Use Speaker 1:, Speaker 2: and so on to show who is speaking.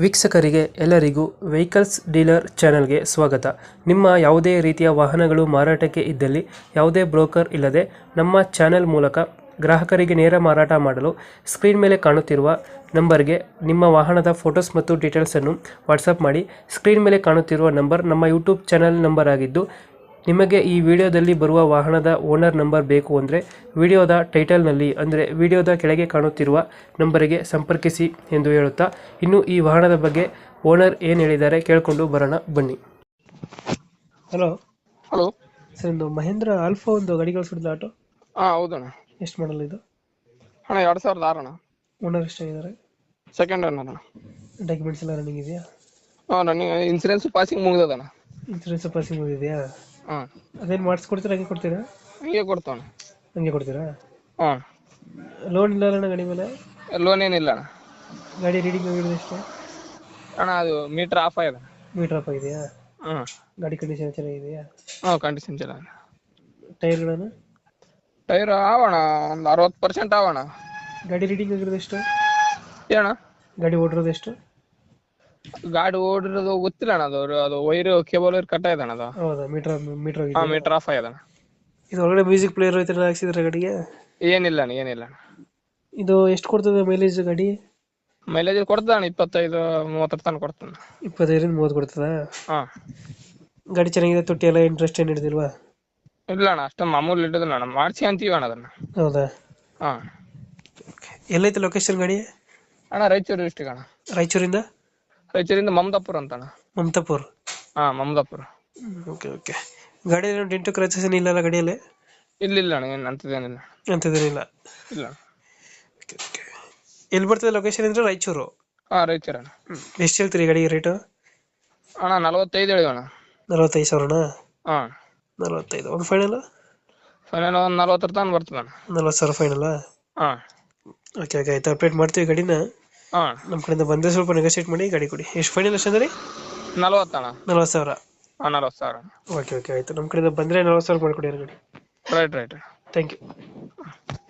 Speaker 1: ವೀಕ್ಷಕರಿಗೆ ಎಲ್ಲರಿಗೂ vehicles dealer ಚಾನೆಲ್ಗೆ ಸ್ವಾಗತ. ನಿಮ್ಮ ಯಾವುದೇ ರೀತಿಯ ವಾಹನಗಳು ಮಾರಾಟಕ್ಕೆ ಇದ್ದಲ್ಲಿ ಯಾವುದೇ ಬ್ರೋಕರ್ ಇಲ್ಲದೆ ನಮ್ಮ ಚಾನೆಲ್ ಮೂಲಕ ಗ್ರಾಹಕರಿಗೆ ನೇರ ಮಾರಾಟ ಮಾಡಲು ಸ್ಕ್ರೀನ್ ಮೇಲೆ ಕಾಣುತ್ತಿರುವ ನಂಬರ್ಗೆ ನಿಮ್ಮ ವಾಹನದ ಫೋಟೋಸ್ ಮತ್ತು ಡೀಟೇಲ್ಸನ್ನು ವಾಟ್ಸಪ್ ಮಾಡಿ. ಸ್ಕ್ರೀನ್ ಮೇಲೆ ಕಾಣುತ್ತಿರುವ ನಂಬರ್ ನಮ್ಮ ಯೂಟ್ಯೂಬ್ ಚಾನೆಲ್ ನಂಬರ್ ಆಗಿದ್ದು, ನಿಮಗೆ ಈ ವಿಡಿಯೋದಲ್ಲಿ ಬರುವ ವಾಹನದ ಓನರ್ ನಂಬರ್ ಬೇಕು ಅಂದರೆ ವಿಡಿಯೋದ ಟೈಟಲ್ನಲ್ಲಿ ಅಂದರೆ ವಿಡಿಯೋದ ಕೆಳಗೆ ಕಾಣುತ್ತಿರುವ ನಂಬರಿಗೆ ಸಂಪರ್ಕಿಸಿ ಎಂದು ಹೇಳುತ್ತಾ, ಇನ್ನು ಈ ವಾಹನದ ಬಗ್ಗೆ ಓನರ್ ಏನು ಹೇಳಿದ್ದಾರೆ ಕೇಳಿಕೊಂಡು ಬರೋಣ ಬನ್ನಿ. ಹಲೋ
Speaker 2: ಹಲೋ
Speaker 1: ಸರ್, ಒಂದು ಮಹೇಂದ್ರ ಆಲ್ಫಾ ಒಂದು ಗಾಡಿ ಕಳಿಸ್ಬಿಡಿದ ಆಟೋ,
Speaker 2: ಹೌದಣ್ಣ.
Speaker 1: ಎಷ್ಟು ಮಾಡಲ್ ಇದು?
Speaker 2: ಅಣ್ಣ 2006 ಅಣ್ಣ.
Speaker 1: ಓನರ್ ಎಷ್ಟಾಗಿದ್ದಾರೆ?
Speaker 2: ಸೆಕೆಂಡ್ ಅಣ್ಣ.
Speaker 1: ಡಾಕ್ಯುಮೆಂಟ್ಸ್ ಎಲ್ಲ ರನ್ನಿಂಗ್ ಇದೆಯಾ?
Speaker 2: ನನಗೆ ಇನ್ಸೂರೆನ್ಸ್ ಪಾಸಿಂಗ್ ಮುಗ್ದದಣ್ಣ.
Speaker 1: ಇನ್ಸೂರೆನ್ಸ್ ಪಾಸಿಂಗ್ ಮುಗಿದೆಯಾ?
Speaker 2: ಹಾಂ,
Speaker 1: ಅದೇನು ಮಾಡಿಸ್ಕೊಡ್ತೀರಾ ಹಂಗೆ ಕೊಡ್ತೀರಾ?
Speaker 2: ಹಂಗೆ ಕೊಡ್ತಾವಣ್ಣ.
Speaker 1: ಹಂಗೆ ಕೊಡ್ತೀರಾ?
Speaker 2: ಹಾಂ,
Speaker 1: ಲೋನ್ ಇಲ್ಲ ಅಣ್ಣ ಗಾಡಿ ಮೇಲೆ?
Speaker 2: ಲೋನ್ ಏನಿಲ್ಲ ಅಣ್ಣ.
Speaker 1: ಗಾಡಿ ರೀಡಿಂಗ್ ಆಗಿರೋದು ಎಷ್ಟು?
Speaker 2: ಅಣ್ಣ ಅದು ಮೀಟರ್ ಆಫ್ ಆಗಿದೆ.
Speaker 1: ಮೀಟರ್ ಅಪ್ ಆಗಿದೆಯಾ?
Speaker 2: ಹಾಂ
Speaker 1: ಗಾಡಿ ಕಂಡೀಷನ್ ಚೆನ್ನಾಗಿದೆಯಾ?
Speaker 2: ಹಾಂ, ಕಂಡೀಷನ್ ಚೆನ್ನಾಗಿ.
Speaker 1: ಟೈರ್ಗಳನ್ನು?
Speaker 2: ಟೈರ್ ಆವಣ ಒಂದು 60% ಆವಣ.
Speaker 1: ಗಾಡಿ ರೀಡಿಂಗ್ ಆಗಿರೋದು ಎಷ್ಟು?
Speaker 2: ಏಣ
Speaker 1: ಗಾಡಿ ಓಡಿರೋದು ಎಷ್ಟು?
Speaker 2: ಗಾಡಿ ಓಡಿರೋದು ಗೊತ್ತಿಲ್ಲ ಅಣ್ಣ. ಅದು ವೈರು ಕೇಬಲ್ ವೈರ್ ಕಟ್ ಆಯ್ತು ಅಣ್ಣ. ಅದು
Speaker 1: ಹೌದಾ? ಮೀಟರ್ ಮೀಟರ್
Speaker 2: ಹಾಂ,
Speaker 1: ಆಗಿದೆ.
Speaker 2: ಮೀಟರ್ ಆಫ್ ಆಗಿದೆ ಅಣ್ಣ.
Speaker 1: ಇದು ಒಳಗಡೆ ಮ್ಯೂಸಿಕ್ ಪ್ಲೇಯರ್ ಐತೆ ಹಾಕ್ಸಿದ್ರೆ ಗಾಡಿಗೆ?
Speaker 2: ಏನಿಲ್ಲ ಅಣ್ಣ, ಏನಿಲ್ಲ ಅಣ್ಣ.
Speaker 1: ಇದು ಎಷ್ಟು ಕೊಡ್ತದೆ ಮೈಲೇಜ್ ಗಾಡಿ?
Speaker 2: ಮೈಲೇಜ್ ಕೊಡ್ತದ ಅಣ್ಣ, 25-30 ತನಕ ಕೊಡ್ತಾನೆ.
Speaker 1: 25-30 ಕೊಡ್ತದ?
Speaker 2: ಹಾಂ,
Speaker 1: ಗಾಡಿ ಚೆನ್ನಾಗಿದೆ, ತೊಟ್ಟಿ ಎಲ್ಲ ಇಂಟ್ರೆಸ್ಟ್ ಏನು ಹಿಡಿದಿಲ್ವಾ?
Speaker 2: ಇಲ್ಲ ಅಣ್ಣ, ಅಷ್ಟ ಮಾಮೂಲಿ ಇಟ್ಟದಿಲ್ಲ ಅಣ್ಣ, ಮಾಡಿಸಿ ಅಂತೀವಿ ಅಣ್ಣ ಅದನ್ನ.
Speaker 1: ಹೌದಾ?
Speaker 2: ಹಾಂ.
Speaker 1: ಎಲ್ಲೈತೆ ಲೊಕೇಶನ್ ಗಾಡಿ?
Speaker 2: ಅಣ್ಣ ರಾಯಚೂರು ಡಿಸ್ಟಿಕ್ ಅಣ್ಣ.
Speaker 1: ರಾಯಚೂರಿಂದ?
Speaker 2: ರಾಯಚೂರಿಂದ ಮಮದಾಪುರ ಅಂತ ಅಣ್ಣ.
Speaker 1: ಮಮತಾಪುರ್?
Speaker 2: ಹಾಂ, ಮಮದಾಪುರ.
Speaker 1: Okay okay. ಗಾಡಿ ಏನು ಡೆಂಟು ಕ್ರಾಚಸ್ ಏನಿಲ್ಲ ಗಾಡಿಯಲ್ಲಿ?
Speaker 2: ಇಲ್ಲ ಅಣ್ಣ, ಏನು ಅಂತದೇನಿಲ್ಲ.
Speaker 1: ಅಂಥದ್ದೇನಿಲ್ಲ?
Speaker 2: ಇಲ್ಲ.
Speaker 1: Okay okay. ಎಲ್ಲಿ ಬರ್ತದೆ ಲೊಕೇಶನ್ ಅಂದರೆ? ರಾಯಚೂರು?
Speaker 2: ಹಾಂ, ರಾಯಚೂರು ಅಣ್ಣ.
Speaker 1: ಎಷ್ಟು ಹೇಳ್ತೀರಿ ಗಾಡಿಗೆ ರೇಟು?
Speaker 2: ಅಣ್ಣ 45 ಹೇಳಿ ಅಣ್ಣ.
Speaker 1: 45,000ನಾ?
Speaker 2: ಹಾಂ,
Speaker 1: 45. ಒಂದು ಫೈನಲ್?
Speaker 2: ಫೈನಲ್ ಒಂದು 40 ತನಕ ಬರ್ತದೆ ಅಣ್ಣ.
Speaker 1: 40,000 ಫೈನಲ್ಲಾ?
Speaker 2: ಹಾಂ.
Speaker 1: ಓಕೆ ಓಕೆ, ಆಯ್ತು. ಅಪ್ಡೇಟ್ ಮಾಡ್ತೀವಿ ಗಾಡಿನ.
Speaker 2: ಹಾಂ,
Speaker 1: ನಮ್ಮ ಕಡೆಯಿಂದ ಬಂದರೆ ಸ್ವಲ್ಪ ನೆಗೋಸಿಯೇಟ್ ಮಾಡಿ ಗಾಡಿ ಕೊಡಿ. ಎಷ್ಟು ಫೈನಲ್ ಎಷ್ಟು ಅಂದ್ರೆ?
Speaker 2: 40 ಅಣ್ಣ.
Speaker 1: 40,000?
Speaker 2: ಹಾಂ, 40,000.
Speaker 1: ಓಕೆ ಓಕೆ, ಆಯಿತು. ನಮ್ಮ ಕಡೆಯಿಂದ ಬಂದರೆ 40,000 ಮಾಡಿಕೊಡಿ ಗಾಡಿ.
Speaker 2: ರೈಟ್.
Speaker 1: Thank you.